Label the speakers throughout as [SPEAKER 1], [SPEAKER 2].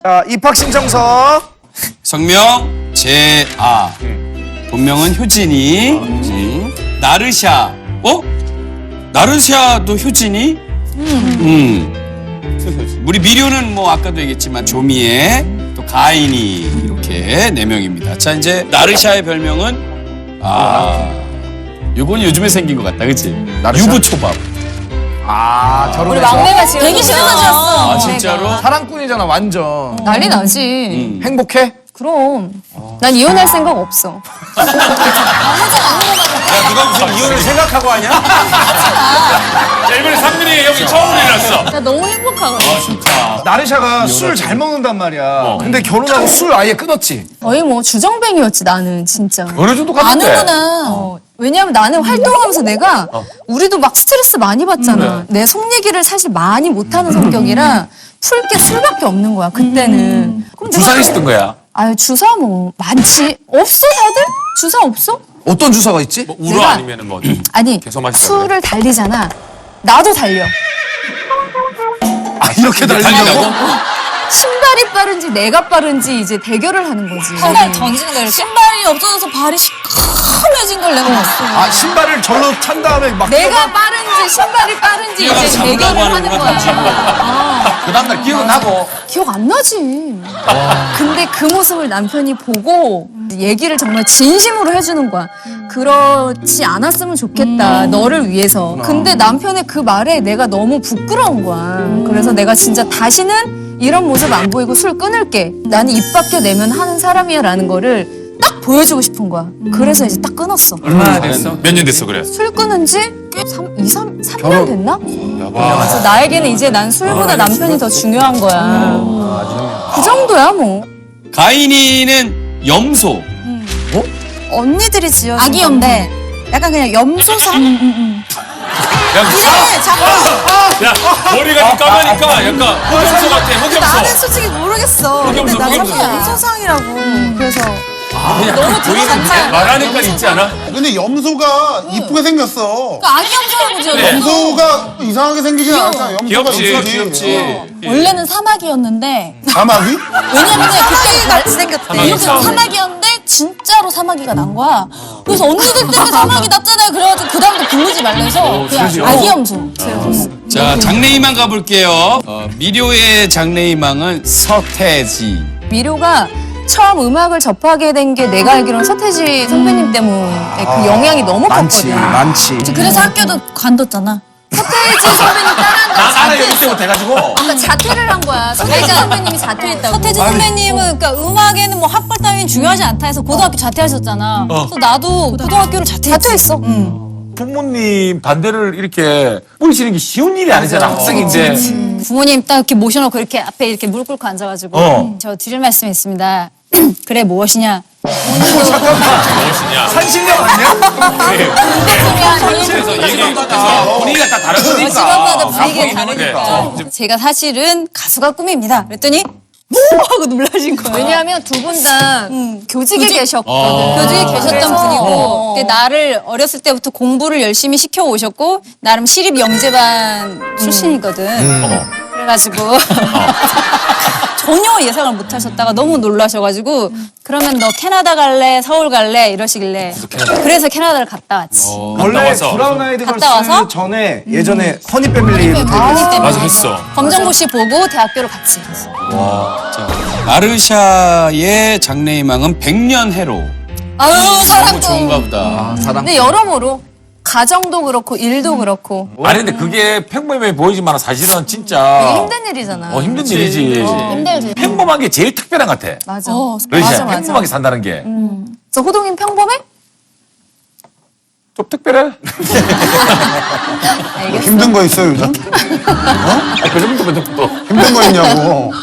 [SPEAKER 1] 자, 입학 신청서.
[SPEAKER 2] 성명 재아. 본명은 효진이. 나르샤. 나르샤도 효진이? 우리 미료는 뭐 아까도 얘기했지만 조미애, 또 가인이 이렇게 4명입니다. 자, 이제 나르샤의 별명은 요건 요즘에 생긴 것 같다, 그치? 유부초밥.
[SPEAKER 1] 결혼해서.
[SPEAKER 3] 우리 막내가 지금
[SPEAKER 4] 되게 싫어졌어.
[SPEAKER 2] 아, 진짜로?
[SPEAKER 1] 사랑꾼이잖아, 완전.
[SPEAKER 3] 난리 나지.
[SPEAKER 1] 행복해?
[SPEAKER 3] 그럼 난 이혼할 생각 없어.
[SPEAKER 5] 야, 누가 무슨 이혼을 생각하고 하냐?
[SPEAKER 6] 자, 이번에 상민이 형이 처음으로 일어났어.
[SPEAKER 3] 나 너무 행복하거든.
[SPEAKER 6] 진짜.
[SPEAKER 1] 나르샤가 술 잘 먹는단 말이야. 근데 결혼하고 술 아예 끊었지.
[SPEAKER 3] 거의 뭐 주정뱅이였지 나는 진짜.
[SPEAKER 5] 어느 정도 같은데?
[SPEAKER 4] 아는구나.
[SPEAKER 3] 왜냐면 나는 활동하면서 내가 우리도 막 스트레스 많이 받잖아. 내 속 얘기를 사실 많이 못하는 성격이라 풀 게 술밖에 없는 거야 그때는. 그럼
[SPEAKER 5] 주사
[SPEAKER 3] 내가
[SPEAKER 5] 있었던 거야?
[SPEAKER 3] 아유 주사 뭐 많지. 없어 다들? 주사 없어?
[SPEAKER 1] 어떤 주사가 있지?
[SPEAKER 6] 뭐 우로
[SPEAKER 3] 내가-
[SPEAKER 6] 아니면은 뭐.
[SPEAKER 3] 아니
[SPEAKER 6] 계속 마시자고요?
[SPEAKER 3] 술을 달리잖아. 나도 달려.
[SPEAKER 1] 이렇게 달린다고?
[SPEAKER 3] 신발이 빠른지 내가 빠른지 이제 대결을 하는 거지.
[SPEAKER 4] 신발 던지는 거야. 신발이 없어져서 발이 시커매진 걸 내가 봤어.
[SPEAKER 1] 신발을 절로 찬 다음에 막.
[SPEAKER 3] 내가 빠른지 신발이 빠른지
[SPEAKER 2] 뛰어가서
[SPEAKER 3] 이제
[SPEAKER 2] 잡으려고
[SPEAKER 3] 대결을 하는
[SPEAKER 2] 하는구나,
[SPEAKER 3] 거야.
[SPEAKER 5] 그 다음날 기억은 나고.
[SPEAKER 3] 기억 안 나지. 근데 그 모습을 남편이 보고 얘기를 정말 진심으로 해주는 거야. 그렇지 않았으면 좋겠다. 너를 위해서. 근데 남편의 그 말에 내가 너무 부끄러운 거야. 그래서 내가 진짜 다시는 이런 모습 안 보이고 술 끊을게. 나는 입 밖에 내면 하는 사람이야 라는 거를 딱 보여주고 싶은 거야. 그래서 이제 딱 끊었어.
[SPEAKER 6] 얼마나 됐어? 몇 년 됐어, 그래?
[SPEAKER 3] 술 끊은 지 3년 됐나? 그래서 나에게는 이제 난 술보다 남편이 더 중요한 거야. 그 정도야 뭐.
[SPEAKER 2] 가인이는 염소.
[SPEAKER 4] 언니들이 지어준
[SPEAKER 3] 아기
[SPEAKER 4] 건데 약간 그냥 염소상?
[SPEAKER 6] 야, 야, 머리가 좀 까마니까 약간 흑염소 같아, 흑염소.
[SPEAKER 4] 나는 솔직히 모르겠어. 근데
[SPEAKER 6] 흑염소,
[SPEAKER 4] 나는
[SPEAKER 6] 흑염소.
[SPEAKER 4] 그냥 염소상이라고.
[SPEAKER 3] 그래서
[SPEAKER 6] 너무 보이는데? 말하니까 있지 않아?
[SPEAKER 7] 근데 염소가 이쁘게 생겼어.
[SPEAKER 4] 아기 염소라고 지어준
[SPEAKER 6] 네.
[SPEAKER 7] 염소가 이상하게 생기진 않잖아. 염소가
[SPEAKER 6] 귀엽지,
[SPEAKER 7] 염소지.
[SPEAKER 6] 귀엽지.
[SPEAKER 4] 원래는 사마귀였는데
[SPEAKER 7] 사마귀?
[SPEAKER 4] 왜냐면 그때 같이 생겼대.
[SPEAKER 6] 사마귀
[SPEAKER 4] 이렇게
[SPEAKER 6] 싸움.
[SPEAKER 4] 사마귀였는데 진짜로 사마귀가 난 거야. 그래서 언니들 때문에 사마귀 났잖아요. 그래가지고 그 다음부터 부르지 말래서 그냥 아기 염소.
[SPEAKER 2] 자, 장래희망 가볼게요. 미료의 장래희망은 서태지.
[SPEAKER 3] 미료가 처음 음악을 접하게 된 게 내가 알기로는 서태지 선배님 때문에 그 영향이 너무
[SPEAKER 1] 많지,
[SPEAKER 3] 컸거든.
[SPEAKER 1] 많지.
[SPEAKER 4] 그래서 학교도 관뒀잖아.
[SPEAKER 3] 서태지 선배님 따라한다고
[SPEAKER 5] 나는 여기 때부터 해가지고.
[SPEAKER 3] 그러니까 자퇴를 한 거야. 서태지 선배님이 자퇴했다고.
[SPEAKER 4] 서태지 선배님은 그러니까 음악에는 뭐 학벌 따위는 중요하지 않다 해서 고등학교 자퇴하셨잖아. 그래서 나도 고등학교를 자퇴했어.
[SPEAKER 5] 부모님 반대를 이렇게 뿌리시는 게 쉬운 일이 아니잖아, 학생인데.
[SPEAKER 4] 부모님 딱 이렇게 모셔놓고 이렇게 앞에 이렇게 무릎 꿇고 앉아가지고 저 드릴 말씀이 있습니다. 그래 무엇이냐?
[SPEAKER 6] 무엇이냐?
[SPEAKER 1] 산신령 아니야?
[SPEAKER 6] 그래서 얘기해서
[SPEAKER 5] 분위기가 다 다르니까.
[SPEAKER 4] 직업마다 분위기가 다르니까. 제가 사실은 가수가 꿈입니다. 그랬더니 뭐 하고 놀라신 거예요.
[SPEAKER 3] 왜냐하면 두 분 다 교직에 계셨거든.
[SPEAKER 4] 교직에 계셨던 분이고 근데 나를 어렸을 때부터 공부를 열심히 시켜 오셨고 나름 시립 영재반 출신이거든. 그래가지고 전혀 예상을 못 하셨다가 너무 놀라셔가지고 그러면 너 캐나다 갈래 서울 갈래 이러시길래 그래서 캐나다를 갔다 왔지.
[SPEAKER 1] 원래
[SPEAKER 6] 와서.
[SPEAKER 1] 브라운 아이드
[SPEAKER 4] 갔다 와서?
[SPEAKER 1] 걸스 전에 예전에 허니 패밀리도 되게
[SPEAKER 6] 맞아, 했어.
[SPEAKER 4] 검정고시 보고 대학교를 갔지.
[SPEAKER 2] 자, 나르샤의 장래희망은 백년해로.
[SPEAKER 4] 아유
[SPEAKER 2] 너무
[SPEAKER 4] 사랑도
[SPEAKER 2] 좋은가 보다.
[SPEAKER 3] 근데 여러모로 가정도 그렇고 일도 그렇고
[SPEAKER 5] 아니, 근데 그게 평범해 보이지만 사실은
[SPEAKER 3] 되게
[SPEAKER 5] 진짜.
[SPEAKER 3] 힘든 일이잖아.
[SPEAKER 5] 힘든 일이지.
[SPEAKER 3] 힘들지.
[SPEAKER 5] 평범한 게 제일 특별한 것 같아.
[SPEAKER 3] 맞아.
[SPEAKER 5] 그렇지?
[SPEAKER 3] 맞아, 맞아.
[SPEAKER 5] 평범하게 산다는 게.
[SPEAKER 3] 저 호동인 평범해?
[SPEAKER 5] 좀 특별해?
[SPEAKER 3] 알겠어.
[SPEAKER 7] 힘든 거 있어 요즘?
[SPEAKER 5] 그 정도면 또.
[SPEAKER 7] 힘든 거 있냐고.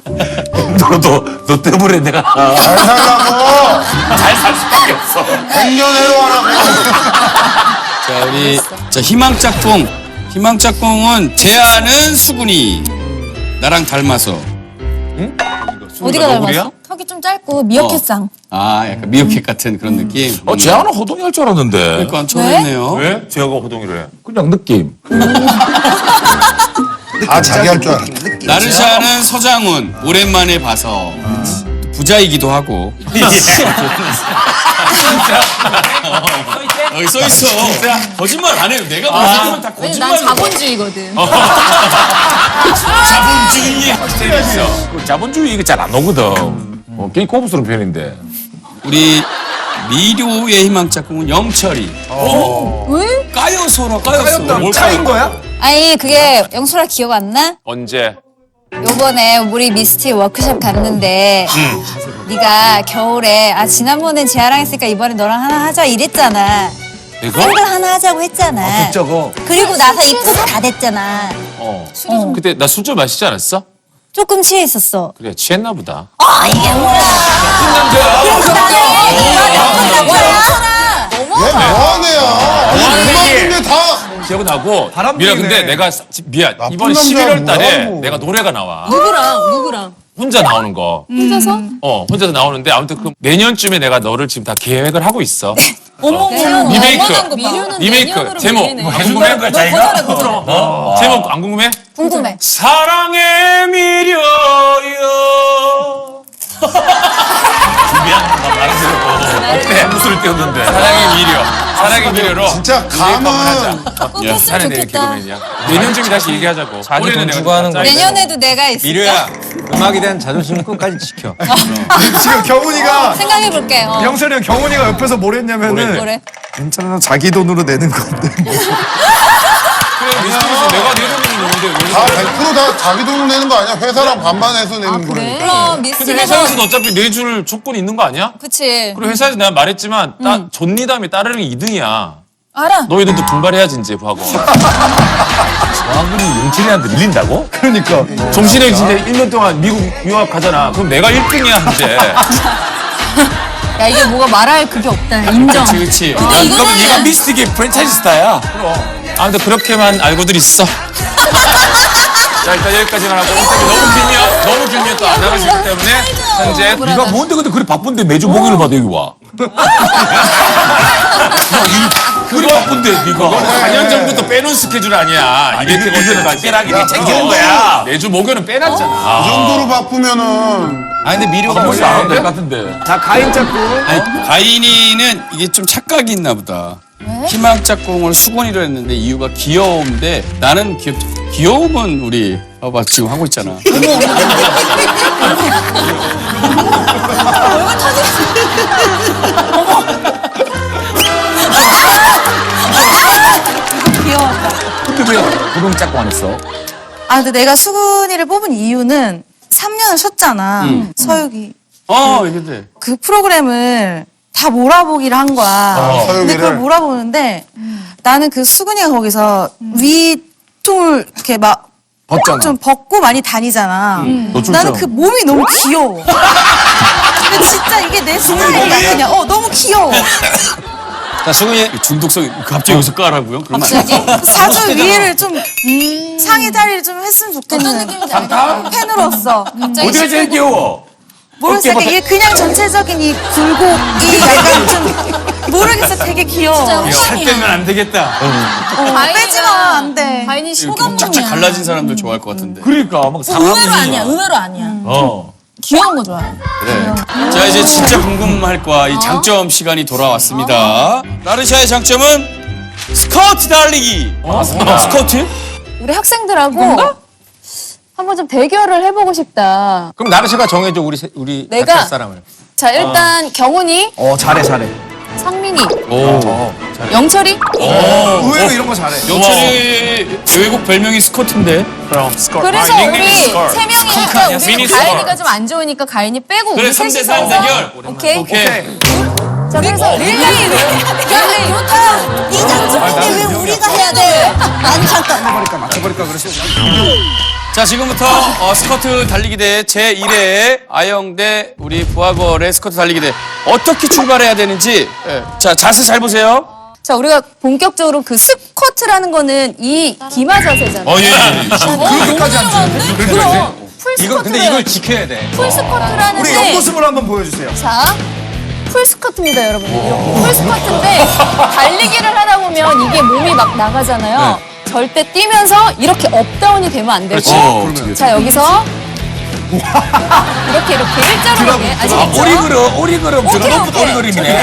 [SPEAKER 5] 너 때문에 내가
[SPEAKER 7] 잘 살라고.
[SPEAKER 5] 잘 살 수밖에 없어.
[SPEAKER 7] 백년해로 하라고.
[SPEAKER 2] 자, 우리 희망짝꿍. 희망짝꿍은 재아는 수근이. 나랑 닮아서.
[SPEAKER 4] 어디가
[SPEAKER 5] 너구리야?
[SPEAKER 4] 닮았어? 턱이 좀 짧고 미어캣상.
[SPEAKER 2] 약간 미어캣 같은 그런 느낌.
[SPEAKER 5] 재하는 호동이 할 줄 알았는데.
[SPEAKER 2] 그러니까 처음이네요.
[SPEAKER 6] 왜? 제가 호동이를 해?
[SPEAKER 5] 그냥 느낌.
[SPEAKER 7] 다 자기 할 줄 알았네.
[SPEAKER 2] 나르샤는 서장훈 오랜만에 봐서 부자이기도 하고. 여기 써 있어. 거짓말 안 해요. 내가 보는 다
[SPEAKER 3] 왜냐면 난
[SPEAKER 2] 거짓말.
[SPEAKER 3] 자본주의거든.
[SPEAKER 2] 자본주의.
[SPEAKER 5] 그 자본주의 이게 잘 안 오거든. 굉장히 고급스러운 편인데.
[SPEAKER 2] 우리 미료의 희망 짝꿍은 영철이.
[SPEAKER 3] 왜?
[SPEAKER 2] 까여서라 까였어.
[SPEAKER 1] 짜인 거야?
[SPEAKER 4] 아니 그게 영철아 기억 안 나?
[SPEAKER 5] 언제?
[SPEAKER 4] 요번에 우리 미스티 워크숍 갔는데 네가 겨울에 지난번엔 재하랑 했으니까 이번에 너랑 하나 하자 이랬잖아.
[SPEAKER 5] 내가?
[SPEAKER 4] 싱글 하나 하자고 했잖아.
[SPEAKER 1] 저거.
[SPEAKER 4] 그리고 나서 입국 다 됐잖아.
[SPEAKER 5] 그때 나 술 좀 마시지 않았어?
[SPEAKER 4] 조금 취해 있었어.
[SPEAKER 5] 그래, 취했나 보다.
[SPEAKER 4] 이게 뭐야?
[SPEAKER 7] 얘 뭐하는 애야? 아니 그만둔데 다.
[SPEAKER 5] 기억나고.
[SPEAKER 1] 바람
[SPEAKER 5] 미라
[SPEAKER 1] 피네.
[SPEAKER 5] 근데 내가 미안
[SPEAKER 7] 나쁜
[SPEAKER 5] 이번
[SPEAKER 7] 남자야,
[SPEAKER 5] 11월 달에
[SPEAKER 7] 뭐야,
[SPEAKER 5] 내가 노래가 나와.
[SPEAKER 3] 누구랑?
[SPEAKER 5] 혼자 나오는 거.
[SPEAKER 3] 혼자서?
[SPEAKER 5] 혼자서 나오는데 아무튼 그 내년쯤에 내가 너를 지금 다 계획을 하고 있어.
[SPEAKER 4] 어머,
[SPEAKER 5] 리메이크.
[SPEAKER 3] 미료는
[SPEAKER 5] 리메이크
[SPEAKER 3] 내년으로
[SPEAKER 5] 제목
[SPEAKER 3] 밀리네.
[SPEAKER 5] 궁금해? 그 자기가? 제목 안 궁금해?
[SPEAKER 4] 궁금해.
[SPEAKER 5] 사랑의 미려요. 어때? 무술을 띄웠는데. 사랑의 미려. 사랑의 미려로.
[SPEAKER 7] 진짜 감은
[SPEAKER 4] 꼭 했으면 좋겠다.
[SPEAKER 5] 내년쯤에 다시 얘기하자고.
[SPEAKER 8] 자기
[SPEAKER 5] 올해는
[SPEAKER 8] 돈
[SPEAKER 5] 내가
[SPEAKER 8] 주고 하는
[SPEAKER 5] 좀
[SPEAKER 8] 거야.
[SPEAKER 4] 내년에도 내가 있을까?
[SPEAKER 8] 미료야, 음악에 대한 자존심은 끝까지 지켜.
[SPEAKER 1] 지금 경훈이가
[SPEAKER 4] 생각해볼게.
[SPEAKER 1] 영철이 형 경훈이가 옆에서 뭘 했냐면은
[SPEAKER 4] 뭐래?
[SPEAKER 1] 괜찮아 자기 돈으로 내는 건데.
[SPEAKER 5] 그래, 미스터리에서 내가 내 돈으로 내는데 왜
[SPEAKER 7] 다
[SPEAKER 5] 그래?
[SPEAKER 7] 100%다 자기 돈으로 내는 거 아니야? 회사랑 반반해서 내는 거니까.
[SPEAKER 4] 그럼
[SPEAKER 5] 근데
[SPEAKER 4] 미스티에서
[SPEAKER 5] 회사에서는 어차피 내줄 조건이 있는 거 아니야?
[SPEAKER 4] 그치.
[SPEAKER 5] 그리고 회사에서 내가 말했지만 존니 다음에 따르는 게 2등이야.
[SPEAKER 4] 알아.
[SPEAKER 5] 너희들도 분발해야지 이제 하고. 왕군이 영철이한테 밀린다고?
[SPEAKER 1] 그러니까.
[SPEAKER 5] 정신에 진짜 1년 동안 미국 유학 가잖아. 그럼 내가 1등이야 이제.
[SPEAKER 3] 야 이게 뭐가 말할 그게 없다. 인정.
[SPEAKER 2] 그렇지.
[SPEAKER 5] 그러면 얘가 미스틱의 프랜차이즈 스타야. 아무튼 그렇게만 알고들 있어. 자 일단 여기까지만 하고 너무 길면 또 안 나가시기 때문에 현재 네가 뭔데 근데 그래 바쁜데 매주 목요일 봐도 여기 와. 그래 바쁜데 네가 4년 전부터 빼놓은 스케줄 아니야. 이벤트가 언제나 빼라기를 챙기는 거야. 매주 목요일은 빼놨잖아.
[SPEAKER 7] 그 정도로 바쁘면은
[SPEAKER 8] 아 근데 미료가
[SPEAKER 5] 벌써
[SPEAKER 8] 원래
[SPEAKER 5] 안될것 같은데.
[SPEAKER 1] 자 가인 짝꿍.
[SPEAKER 2] 아니, 가인이는 이게 좀 착각이 있나 보다. 희망 짝꿍을 수건이로 했는데 이유가 귀여움인데 나는 귀여움은 우리 봐봐 지금 하고 있잖아.
[SPEAKER 5] 근데 왜 고동 짝꿍 안 했어?
[SPEAKER 9] 근데 내가 수근이를 뽑은 이유는 3년을 쉬었잖아. 서유기.
[SPEAKER 2] 이게 돼.
[SPEAKER 9] 그 프로그램을 다 몰아보기를 한 거야. 근데
[SPEAKER 7] 서유기를?
[SPEAKER 9] 그걸 몰아보는데 나는 그 수근이가 거기서 위통을 이렇게 막 좀 벗고 많이 다니잖아. 나는 그 몸이 너무 귀여워. 근데 진짜 이게 내 스타일이야 그냥. 너무 귀여워.
[SPEAKER 8] 자 승훈이
[SPEAKER 2] 중독성 갑자기 여기서 까라고요? 그러면
[SPEAKER 9] 그 사주 위에를 좀 상의 자리를 좀 했으면 좋겠는 팬으로서.
[SPEAKER 5] 어디가 제일 귀여워?
[SPEAKER 9] 모르겠어. 이게 그냥 전체적인 이 굴곡이 약간 좀 모르겠어. 되게 귀여워.
[SPEAKER 5] 살 때는 안 되겠다.
[SPEAKER 9] 빼지 마. 안 돼.
[SPEAKER 3] 가인이
[SPEAKER 2] 이렇게
[SPEAKER 3] 소감이야.
[SPEAKER 2] 쫙쫙 갈라진 사람들 좋아할 것 같은데.
[SPEAKER 5] 그러니까 막
[SPEAKER 3] 의외로 아니야. 의외로 아니야. 귀여운 거 좋아해.
[SPEAKER 2] 자 이제 진짜 궁금할 거야. 이 장점 시간이 돌아왔습니다. 나르샤의 장점은 스커트 달리기. 스커트?
[SPEAKER 3] 우리 학생들하고 한번 좀 대결을 해보고 싶다.
[SPEAKER 8] 그럼 나르샤가 정해줘 우리
[SPEAKER 3] 내가-
[SPEAKER 8] 같이 할 사람을.
[SPEAKER 3] 자 일단 경훈이,
[SPEAKER 1] 잘해.
[SPEAKER 3] 상민이, 영철이.
[SPEAKER 1] 의외로 이런 거 잘해.
[SPEAKER 2] 영철이 외국 별명이 스커트인데.
[SPEAKER 3] 그래서 우리 세 명이니까 우리 가인이가 좀 안 좋으니까 가인이 빼고
[SPEAKER 2] 그래
[SPEAKER 3] 우리
[SPEAKER 2] 3대3
[SPEAKER 3] 셋이서
[SPEAKER 2] 대결.
[SPEAKER 3] 오케이.
[SPEAKER 2] 오케이.
[SPEAKER 3] 자 그래서 릴레이.
[SPEAKER 4] 이 장점인데 왜 우리가 해야 돼? 아니 잠깐.
[SPEAKER 1] 맞춰버릴까 그랬어.
[SPEAKER 2] 자 지금부터 스커트 달리기 대회 제1회 아영대 우리 부하걸의 스커트 달리기 대회 어떻게 출발해야 되는지 자 자세 잘 보세요.
[SPEAKER 3] 자 우리가 본격적으로 그 스쿼트라는 거는 이 기마 자세잖아.
[SPEAKER 2] 예.
[SPEAKER 1] 그렇게까지 안 돼.
[SPEAKER 3] 그럼 풀
[SPEAKER 8] 이거 근데
[SPEAKER 3] 스쿼트를
[SPEAKER 8] 이걸 지켜야 돼.
[SPEAKER 3] 풀 스쿼트라는
[SPEAKER 1] 우리
[SPEAKER 3] 게
[SPEAKER 1] 옆모습을 한번 보여주세요.
[SPEAKER 3] 자, 풀 스쿼트입니다, 여러분. 이렇게 풀 스쿼트인데 달리기를 하다 보면 이게 몸이 막 나가잖아요. 절대 뛰면서 이렇게 업다운이 되면 안 되고. 자, 여기서 이렇게 일자로 가게. 아시겠죠?
[SPEAKER 5] 오리그룹 들어놓고 오리그룹이네.